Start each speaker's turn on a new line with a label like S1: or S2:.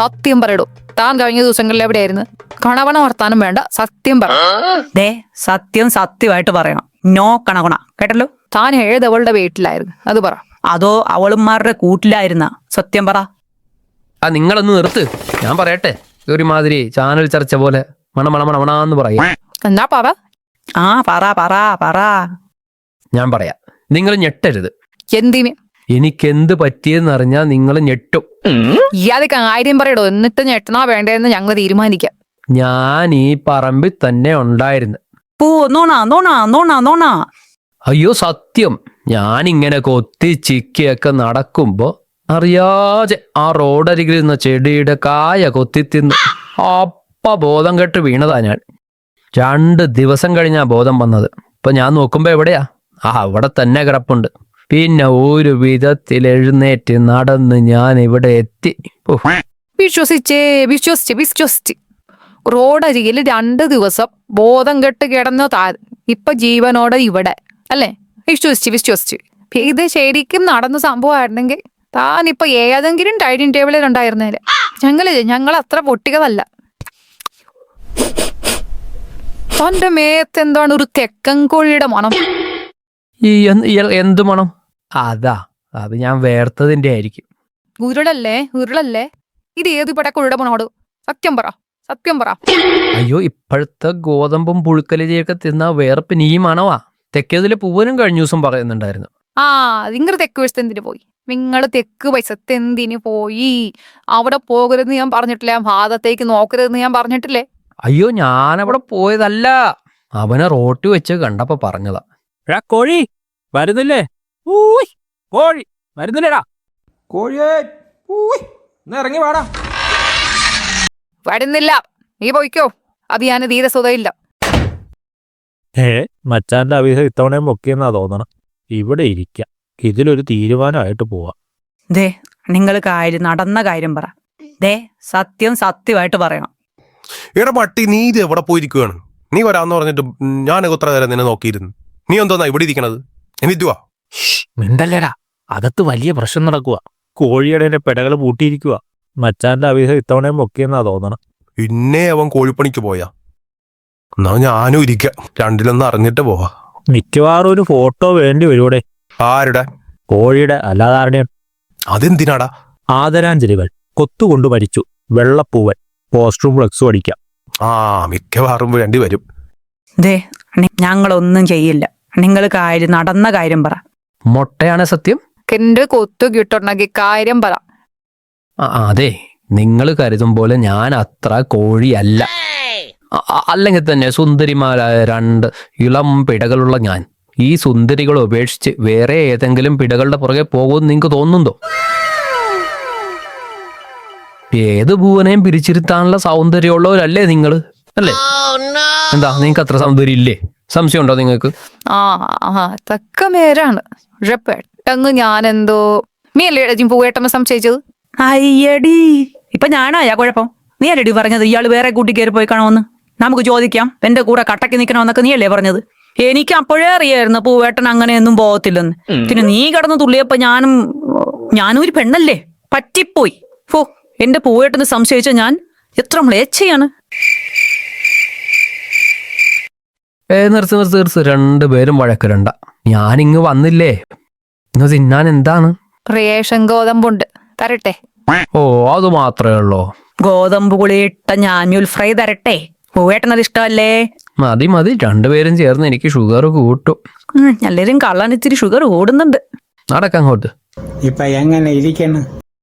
S1: സത്യം പറയടോ. താൻ കഴിഞ്ഞ ദിവസങ്ങളിൽ എവിടെയായിരുന്നു? കണവണ വർത്താനം വേണ്ട, സത്യം പറ.
S2: ദേ സത്യം സത്യമായിട്ട് പറയണം. നോ കണകുണ, കേട്ടല്ലോ.
S1: താൻ ഏതവളുടെ വീട്ടിലായിരുന്നു അത് പറ.
S2: അതോ അവളുമാരുടെ കൂട്ടിലായിരുന്ന? സത്യം പറ.
S3: നിങ്ങളൊന്ന് നിർത്ത്, ഞാൻ പറയട്ടെ. ഒരുമാതിരി ചാനൽ ചർച്ച പോലെ മണമണമണമണാന്ന് പറയാ.
S1: എന്നാ പറ.
S2: ആ പറ പറ പറ.
S3: ഞാൻ പറയാം, നിങ്ങൾ ഞെട്ടരുത്.
S1: എന്തിന്?
S3: എനിക്കെന്ത് പറ്റിയെന്ന് അറിഞ്ഞാൽ നിങ്ങൾ ഞെട്ടും.
S1: ഇയാള് കാര്യം പറയടോ, എന്നിട്ട് ഞെട്ടണോ വേണ്ടതെന്ന് ഞങ്ങൾ തീരുമാനിക്കാം.
S3: ഞാൻ ഈ പറമ്പിൽ തന്നെ ഉണ്ടായിരുന്നു.
S2: പൂ നോണ നോണ നോണ നോണ.
S3: അയ്യോ സത്യം. ഞാനിങ്ങനെ കൊത്തി ചിക്കിയൊക്കെ നടക്കുമ്പോ അറിയാതെ ആ റോഡരികിൽ നിന്ന ചെടിയുടെ കായ കൊത്തി തിന്ന് അപ്പ ബോധം കെട്ട് വീണതാ ഞാൻ. 2 ദിവസം കഴിഞ്ഞാ ബോധം വന്നത്. ഇപ്പൊ ഞാൻ നോക്കുമ്പോ എവിടെയാ? അവിടെ തന്നെ കിടപ്പുണ്ട്. പിന്നെ ഒരു വിധത്തിൽ എഴുന്നേറ്റ് നടന്ന് ഞാൻ ഇവിടെ എത്തി.
S1: വിശ്വസിച്ച് റോഡരികിൽ 2 ദിവസം ബോധം കെട്ട് കിടന്നു താൻ ഇപ്പൊ ജീവനോടെ ഇവിടെ അല്ലേ? വിശ്വസിച്ച് ഇത് ശരിക്കും നടന്ന സംഭവമായിരുന്നെങ്കിൽ താൻ ഇപ്പൊ ഏതെങ്കിലും ഡൈനിങ് ടേബിളിൽ ഉണ്ടായിരുന്നേല്. ഞങ്ങൾ അത്ര പൊട്ടികതല്ല. തന്റെ മേത്ത് എന്താണ് ഒരു തെക്കൻ കോഴിയുടെ മണം?
S3: ഈ എന്ത് മണം? അത് ഞാൻ വേർത്തതിന്റെ ആയിരിക്കും.
S1: ഉരുളല്ലേ? ഇത് ഏത് പടക്കോഴിയുടെ മണോട്? സത്യം പറ.
S3: അയ്യോ, ഇപ്പോഴത്തെ ഗോതമ്പും പുഴുക്കലരിയൊക്കെ തിന്നാ വേർപ്പിന് ഈ മണവാ. തെക്കേതിലെ പൂവനും കഴിഞ്ഞ ദിവസം പറയുന്നുണ്ടായിരുന്നു.
S1: നിങ്ങൾ തെക്ക് വശത്ത് എന്തിനു പോയി? നിങ്ങൾ തെക്ക് വശത്ത് എന്തിനു പോയി? അവിടെ പോകരുതെന്ന് ഞാൻ പറഞ്ഞിട്ടില്ലേ? ഭാഗത്തേക്ക് നോക്കരുതെന്ന് ഞാൻ പറഞ്ഞിട്ടില്ലേ?
S3: അയ്യോ, ഞാനവിടെ പോയതല്ല. അവനെ റോട്ടി വെച്ച് കണ്ടപ്പോ പറഞ്ഞതാ.
S4: കോഴി വരുന്നില്ലേ? കോഴി വരുന്നില്ലേടാ?
S5: കോഴിയേ ഇറങ്ങി വാടാ.
S1: വരുന്നില്ല, നീ പോയിക്കോ. അത് ഞാൻ തീരെ സുഖയില്ല.
S4: മച്ചാന്റെ അവിധം ഇത്തവണയും പൊക്കിയെന്നാ തോന്നണം. ഇവിടെ ഇരിക്കാം, ഇതിലൊരു തീരുമാനമായിട്ട് പോവാം.
S2: ദേ നിങ്ങൾ നടന്ന കാര്യം പറ. ദേ സത്യമായിട്ട് പറയണം.
S6: എടാ പട്ടി, നീ ഇത് എവിടെ പോയിരിക്കുകയാണ്? നീ വരാന്ന് പറഞ്ഞിട്ട് ഞാനൊക്കെ ഉത്തര നേരം നിന്നെ നോക്കിയിരുന്നു. നീ എന്തോന്നാ ഇവിടെ ഇരിക്കണത്? എന്നിട്ടുവാ
S4: മിണ്ടല്ലേടാ, അകത്ത് വലിയ പ്രശ്നം നടക്കുക. കോഴിയുടെ പെടകൾ പൂട്ടിയിരിക്കുക. മച്ചാന്റെ അവിധം ഇത്തവണയും പൊക്കിയെന്നാ തോന്നണം.
S6: പിന്നെ അവൻ കോഴിപ്പണിക്ക് പോയാ? എന്നാ ഞാനും ഇരിക്കാം, രണ്ടിലൊന്ന് അറിഞ്ഞിട്ട് പോവാ.
S4: മിക്കവാറും ഒരു ഫോട്ടോ വേണ്ടി വരുവിടെ.
S6: ആരുടെ?
S4: കോഴിയുടെ, അല്ലാതാരുടെയും.
S6: അതെന്തിനാടാ?
S4: ആദരാഞ്ജലികൾ. കൊത്തുകൊണ്ട് മരിച്ചു, വെള്ളപ്പൂവൻ, പോസ്റ്ററും ഫ്ലക്സും അടിക്കാം.
S6: മിക്കവാറും വേണ്ടി വരും.
S2: ദേ ഞങ്ങളൊന്നും ചെയ്യില്ല. നിങ്ങൾ നടന്ന കാര്യം പറ.
S3: മൊട്ടയാണ് സത്യം.
S1: എന്റെ കൊത്തു കിട്ടണമെങ്കിൽ കാര്യം പറ.
S3: അതെ, നിങ്ങൾ കരുതും പോലെ ഞാൻ അത്ര കോഴിയല്ല. അല്ലെങ്കിൽ തന്നെ സുന്ദരിമാരായ 2 ഇളം പിടകളുള്ള ഞാൻ ഈ സുന്ദരികൾ ഉപേക്ഷിച്ച് വേറെ ഏതെങ്കിലും പിടകളുടെ പുറകെ പോകുമെന്ന് നിങ്ങൾക്ക് തോന്നുന്നുണ്ടോ? ഏത് ഭൂവനെയും പിരിച്ചിരുത്താനുള്ള സൗന്ദര്യമുള്ളവരല്ലേ നിങ്ങൾ? അല്ലേ? എന്താ, നിങ്ങൾക്ക് അത്ര സൗന്ദര്യം ഇല്ലേ? സംശയം ഉണ്ടോ നിങ്ങൾക്ക്?
S1: തക്ക മേരാണ്. പക്ഷെ പെട്ടെന്ന് ഞാനെന്തോ നീയല്ലേ പൂവേട്ടമ്മ സംശയിച്ചത്?
S2: അയ്യടി, ഇപ്പൊ ഞാനായാ കുഴപ്പം? നീ അല്ലടി പറഞ്ഞത് ഇയാള് വേറെ കൂട്ടി കയറി പോയി കാണുമെന്ന്? നമുക്ക് ചോദിക്കാം, എന്റെ കൂടെ കട്ടക്ക് നിൽക്കണമെന്നൊക്കെ നീയല്ലേ പറഞ്ഞത്? എനിക്ക് അപ്പോഴേ അറിയായിരുന്നു പൂവേട്ടൻ അങ്ങനെയൊന്നും പോകത്തില്ലെന്ന്. പിന്നെ നീ കടന്ന് തുള്ളിയപ്പോ ഞാനും ഒരു പെണ്ണല്ലേ, പറ്റിപ്പോയി. എന്റെ പൂവേട്ടന് സംശയിച്ച ഞാൻ എത്ര മ്ലേച്ഛയാണ്.
S3: നിർത്ത്. 2 പേരും വഴക്കിടണ്ട. ഞാനിങ്ങ് വന്നില്ലേ, ഇന്ന് തിന്നാൻ എന്താണ്?
S1: റേഷൻ ഗോതമ്പുണ്ട്, തരട്ടെ?
S3: അത് മാത്രമേ ഉള്ളോ?
S2: ഗോതമ്പ് പുളിയിട്ട ഞാഞ്ഞൂൽ ഫ്രൈ തരട്ടെ? പൂവേട്ടനത് ഇഷ്ടമല്ലേ?
S3: മതി 2 പേരും ചേർന്ന് എനിക്ക് ഷുഗർ കൂട്ടും.
S2: എല്ലാരും കള്ളാൻ ഇച്ചിരി ഷുഗർ കൂടുന്നുണ്ട്.
S3: നടക്കങ്ങോട്ട്.
S5: ഇപ്പൊ എങ്ങനെ ഇരിക്കണം?